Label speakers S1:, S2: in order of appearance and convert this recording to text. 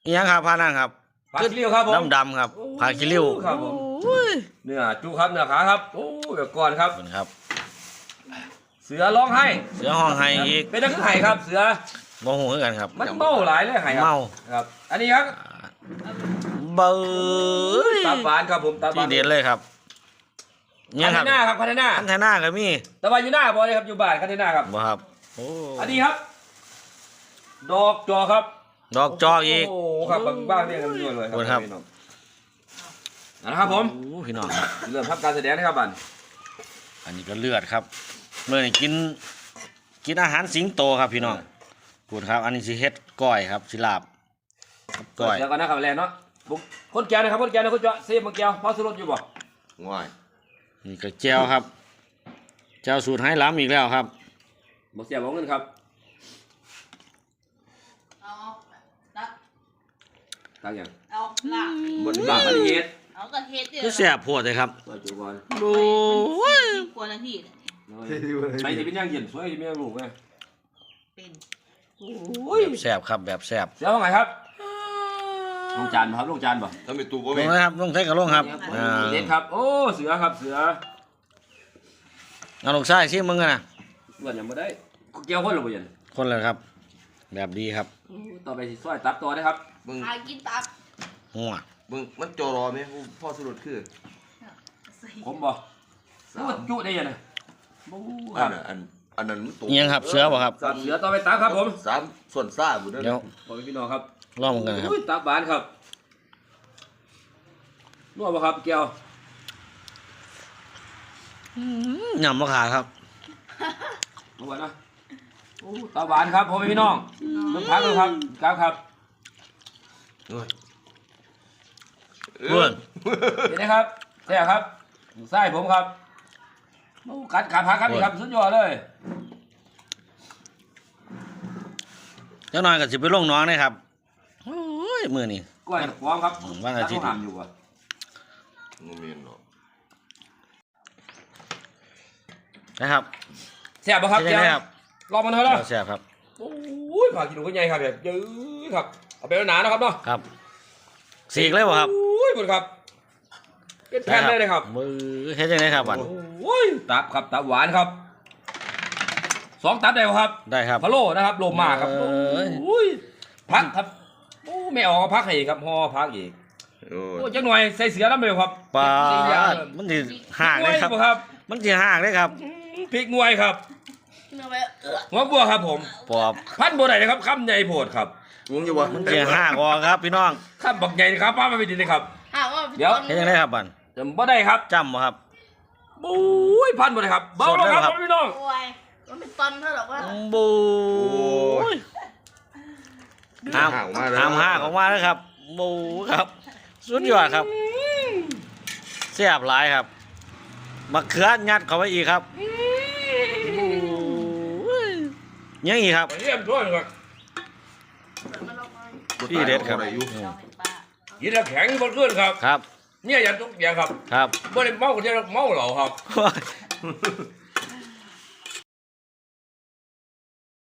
S1: ยังครับพานั่งครับ
S2: ผักขี้ริ้วครับผม
S1: ดำครับพาคิริ้ว
S2: ครับผมเนื้อจุครับเนื้อขาครับโอ้เดี๋ยวก่อนครับ
S1: คุณครับ
S2: เสือร้องไห้
S1: เสือห้องไห้อีก
S2: เป็นนักไห้ครับ เสือ
S1: โมโหเหมือนกันครับ
S2: มันเมาหลายเลยไห้ครับ
S1: เมา
S2: ครับ อันนี้ครับ
S1: เบอร์
S2: ตาบานครับผมตาบา
S1: ที่
S2: น
S1: เด็ดเลยครับ
S2: คั
S1: ครั
S2: นเทน่าครับคันเทน่า
S1: คันไทน่าก็มี
S2: ตะวันอยู่หน้าบอเลยครับอยู่บ้านคันเทน่าครับ
S1: บ่ครับโอ้
S2: อันนี้ครับ ดอกจอครับ
S1: ดอกจอกอีก
S2: โอ้ครับบ้างเนี่ยกันด้วยเลย
S1: ขอบคุณครับ
S2: พี่น้องนะครับผม
S1: โอ้พี่น้องครับ
S2: เริ่มทำการแสดงนะครับบัน
S1: อันนี้ก็เลือดครับเมื่อนี้กินอาหารสิงโตครับพี่น้องพูดครับ อันนี้สิเฮ็ดก้อยครับสิลาบก้อย
S2: เดี๋ยวก่อนนะครับแลนเนาะบุกคนแก่นะครับคนแก่นะคนเจาะเซฟมังแก้วพอสุรสอยู่บ่
S3: ง่าย
S1: นี่ก็แจวครับแจวสูตรให้ล้ำอีกแล้วครับ
S2: บอกเสียบอกเงินครับ
S4: เอาตัก
S2: ตั้งอย่าง
S4: เอาลาก
S2: บนบางประเทศ
S4: เอากระเทศเดียว
S1: ก็แสบโพดเลยครับ
S2: มาจุก่อน
S1: โอ้ย
S4: กว่านาทีเนี่ย
S2: ใช้ที่เป็นย่างเย็นสวยที่ไม่ยังลูกไง
S4: เป็น
S2: โอ้ย
S1: แสบครับแบบแสบ
S2: เสียว่าไงครับลงจานบ่ครับลงจานบ่
S3: ถ้ามีตู้บ่
S1: ล
S3: มี
S1: งนะครับลงใส่กระลงครับอ่า
S2: เด็ดครับโอ้เสือครับเสือ
S1: เอาลูกชายชิมมึงกันนะ
S2: เลือดยังไม่ได้เกี่ยวคนหรือเปล่า
S1: คนเลยครับ แบบดีครับ
S2: ต่อไปสิซอยตับต่อได้ครับ
S3: มึง
S4: หากินตับ
S1: หัว
S3: มึงมันจอรอไหมพ่อสรุปคือ
S4: ใส่
S2: ผมบ่รู้ว่าจุได้ยังไงบูค
S3: อั
S2: รั
S3: น
S2: บ
S3: นั้นอันนั้นมันต
S1: อิหยังครับเสือบ่ครับ
S2: สับเสือต่อไปตับครับผม
S3: สามส่วนซ่าบุญนั่น
S1: เดี๋ยว
S2: ขอพี่น้องครับ
S1: ลองมึงกันนะครับ
S2: อุ้ยตับบานครับนัวบ่ครับแก้วย
S1: ำมะขามครับ
S2: นัวนะโอ้ตับบานครับพ่อแม่พี่น้องน้ำพักเลยครับครับ
S3: เอ้ย
S1: เพื่อน
S2: เห็นไหมครับแท้ครับไส้ผมครับโอ้กัดขาพักครับนี่ครับสุดยอดเลย
S1: เจ้าหน่อยก็สิไปลงน้องนะครับโอ้ยมือนี่
S2: กล้วยพร้อมครับ
S1: วันอาทิตย์
S2: ทำอยู่อ่ะ
S3: งูมีนเนาะ
S1: นะครับ
S2: แซ่บป่ะครับ
S1: เป็นยังไงครับ
S2: ลองมันเถอะนะ
S1: แซ่บครับ
S2: โอ้ยผักกินหนูก็ใหญ่ครับแบบยื้อครับเอาไปหนานะครับเนาะ
S1: ครับสีกเลยบ่ครับ
S2: โอ้ยคุณครับเป็นแผ่นเลยครับ
S1: มือเฮ็ดยังไงครับบัด
S2: โอ้ยตับครับตับหวานครับ2ตับได้ป่ะครับ
S1: ได้ครับ
S2: พะโล้นะครับโลมาครับ
S1: เอ้ย
S2: โอ้ยพักครับโอ้ไม่ออกก็พักให้อีกครับห่อพักอีก
S3: โอ้
S2: โอ้ยจังหน่อยใส่เสือแล้วไหมครับ
S1: ปลา
S2: พริกอย่าง
S1: มันสิห่าง
S2: ง
S1: เล
S2: วย
S1: ยครับ
S2: บ่ครับ
S1: มันสิห่างเลยครับ
S2: พริกงวยครับ
S4: เนื้อไป
S2: หัวบัวครับผม
S1: ปอบ
S2: พันบัวไหนนะครับคำใหญ่โพดครับ
S3: วงอยู่วะ
S1: มันสิห่างออกครับพี่น้อง
S2: คำบักใหญ่นะครับป้ามาไปดีเลยครับ
S4: หาว่า
S2: เดี๋ยว
S1: เฮ็ดยังไงครับบัด
S2: จำบ่ได้ครับ
S1: จำบ่ครับ
S2: โอ้ยพันบัวไหนครับเบาลงครับพี่น้อง
S4: โอ้ยมันเป็นตอนเท่าหรอกว่า
S1: บูย
S3: ห่า
S1: ห้าม
S3: งมาแล้ว
S1: ห้ามห่างออกมาแล้วครับบูครับสุดยอดครับแซ่บหลายครับมะเขือยัดเข้าไปอีกครับบูยยังอีกครับ
S2: เยี่ยมด้วยครับ
S4: มันลงมา
S1: พี่เด็ดครับ
S3: อายุ
S4: เราเห็นป้า
S2: ยินแล้วแข็งบนขึ้นครับ
S1: ครับ
S2: เนี่ยอย่าทุกอย่างครับ
S1: ครับ
S2: บ่ได้เมาคนเดียวเมาเหล่าครับ